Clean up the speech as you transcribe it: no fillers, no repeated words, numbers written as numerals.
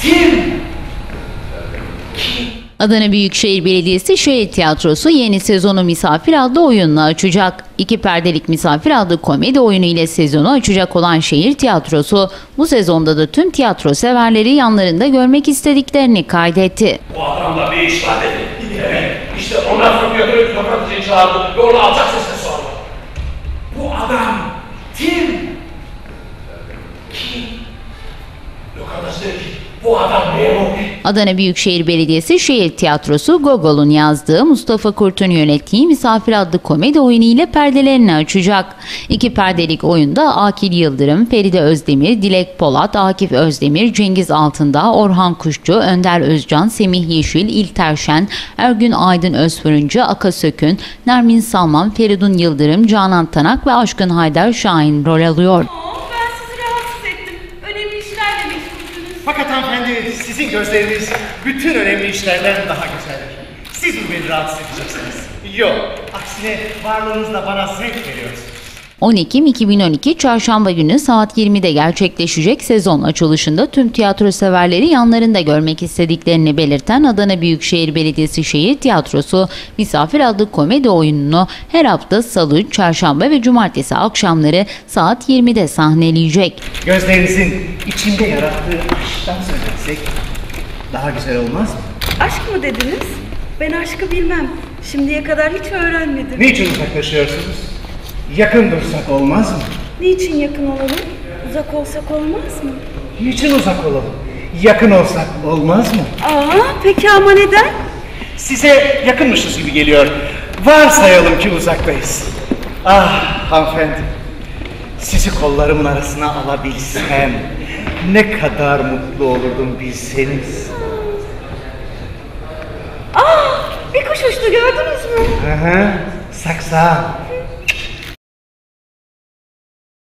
Adana Büyükşehir Belediyesi Şehir Tiyatrosu yeni sezonu Misafir adlı oyunla açacak. 2 perdelik Misafir adlı komedi oyunu ile sezonu açacak olan Şehir Tiyatrosu bu sezonda da tüm tiyatro severleri yanlarında görmek istediklerini kaydetti. Bu adamla bir iş var dedi. Evet, işte ondan sonra götürüp sokakçıyı çağırdı ve onu alçak sesle sordu. Bu adam kim? Kim? Lokantası dedi ki bu adam memur. Adana Büyükşehir Belediyesi Şehir Tiyatrosu Gogol'un yazdığı, Mustafa Kurt'un yönettiği Misafir adlı komedi oyunu ile perdelerini açacak. 2 perdelik oyunda Akil Yıldırım, Feride Özdemir, Dilek Polat, Akif Özdemir, Cengiz Altındağ, Orhan Kuşçu, Önder Özcan, Semih Yeşil, İlter Şen, Ergün Aydın Özfırıncı, Aka Sökün, Nermin Salman, Feridun Yıldırım, Canan Tanak ve Aşkın Haydar Şahin rol alıyor. Ben sizi rahatsız ettim. Önemli işlerle meşgulsünüz. Fakat hanımefendi, sizin gözleriniz bütün önemli işlerden daha güzeldir. Siz mi beni rahatsız edeceksiniz? Yok, aksine varlığınızla bana zevk veriyorsunuz. 10 Ekim 2012 Çarşamba günü saat 20'de gerçekleşecek sezon açılışında tüm tiyatro severleri yanlarında görmek istediklerini belirten Adana Büyükşehir Belediyesi Şehir Tiyatrosu Misafir adlı komedi oyununu her hafta Salı, Çarşamba ve Cumartesi akşamları saat 20'de sahneleyecek. Gözlerinizin içinde yarattığı aşktan söz etsek daha güzel olmaz mı? Aşk mı dediniz? Ben aşkı bilmem. Şimdiye kadar hiç öğrenmedim. Niçin uzaklaşıyorsunuz? Yakın dursak olmaz mı? Niçin yakın olalım? Uzak olsak olmaz mı? Niçin uzak olalım? Yakın olsak olmaz mı? Peki ama neden? Size yakınmışız gibi geliyor. Varsayalım ki uzaktayız. Ah hanımefendi, sizi kollarımın arasına alabilsem ne kadar mutlu olurdum bilseniz. Bir kuş uçtu, gördünüz mü? Saksa.